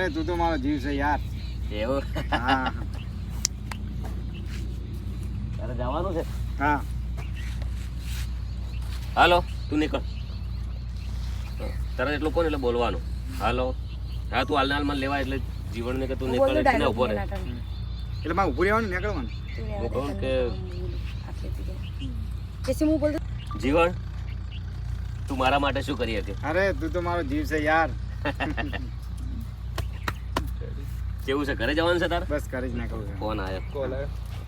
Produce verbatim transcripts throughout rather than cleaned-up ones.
અરે તું તો મારો જીવ છે યાર. એવું? હા તારે જવાનું છે? હા હાલો તું નીકળ. તારે એટલું કોણ એટલે બોલવાનું. હાલો હા તું હાલને હાલમાં લેવા એટલે જીવનને કે તું નીકળ એટલે ઉભો રહે. એટલે મારે ઊભું રહેવાનું નીકળવાનું. હું કહું કે कैसे मुंह बोल જીવન તું મારા માટે શું કરી હતી? અરે તું તો મારો જીવ છે યાર. કેવું છે, ઘરે જવાનું છે તારે? બસ કરી જ નીકળું છે. ફોન આવ્યો. કોલ આવ્યો.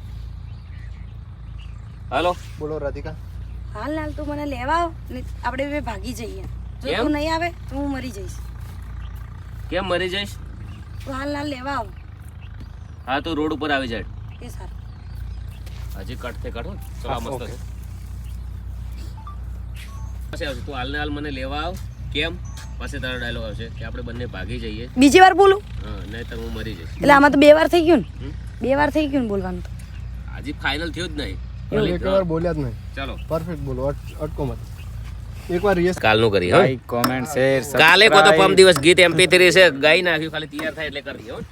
હાલો બોલો રાધિકા. હાલ હાલ તું મને લેવા આવ ને આપણે બે ભાગી જઈએ. જો કેમ? તું નહીં આવે તો હું મરી જઈશ. કેમ મરી જઈશ? તું હાલ હાલ લેવા આવ. હા તું રોડ ઉપર આવી જાય. એ સારું. હજી કટ થી કટ હો. ચલો આ મસ્ત છે. પછી આવશે તું હાલને હાલ મને લેવા આવ. કેમ? પછી તારો ડાયલોગ આવશે કે આપણે બંને ભાગી જઈએ. બીજી વાર બોલું હા નહીંતર હું મરી જઈશ. એટલે આમાં તો બે વાર થઈ ગયું ને. હમ? બે વાર થઈ ગયું ને બોલવાનું તો. હજી ફાઇનલ થયું જ નહીં. એક વાર બોલ્યા જ નહીં. ચાલો પરફેક્ટ બોલો. અટ- અટકો મત. એકવાર યસ. કાલનું કરી હો. લાઈક કોમેન્ટ શેર કાલે કો તો પરમ દિવસ ગીત એમપી થ્રી છે ગાઈ નાખ્યું, ખાલી તૈયાર થાય એટલે કરી હો.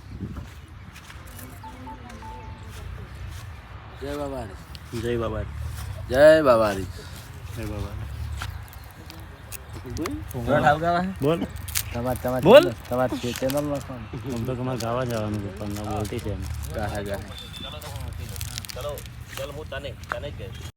જય બાબા જય બાબા. જય બાબારી જય બાબા. બોલ તમાર તમાર બોલ તમાર ચેનલ માં કોણ હું તો તમાર ગાવા જવાનું છે પણ ના બોલતી છે એમ ગાહે ગાહે ચલો ચલો ચલો હું તને તને જ ગઈ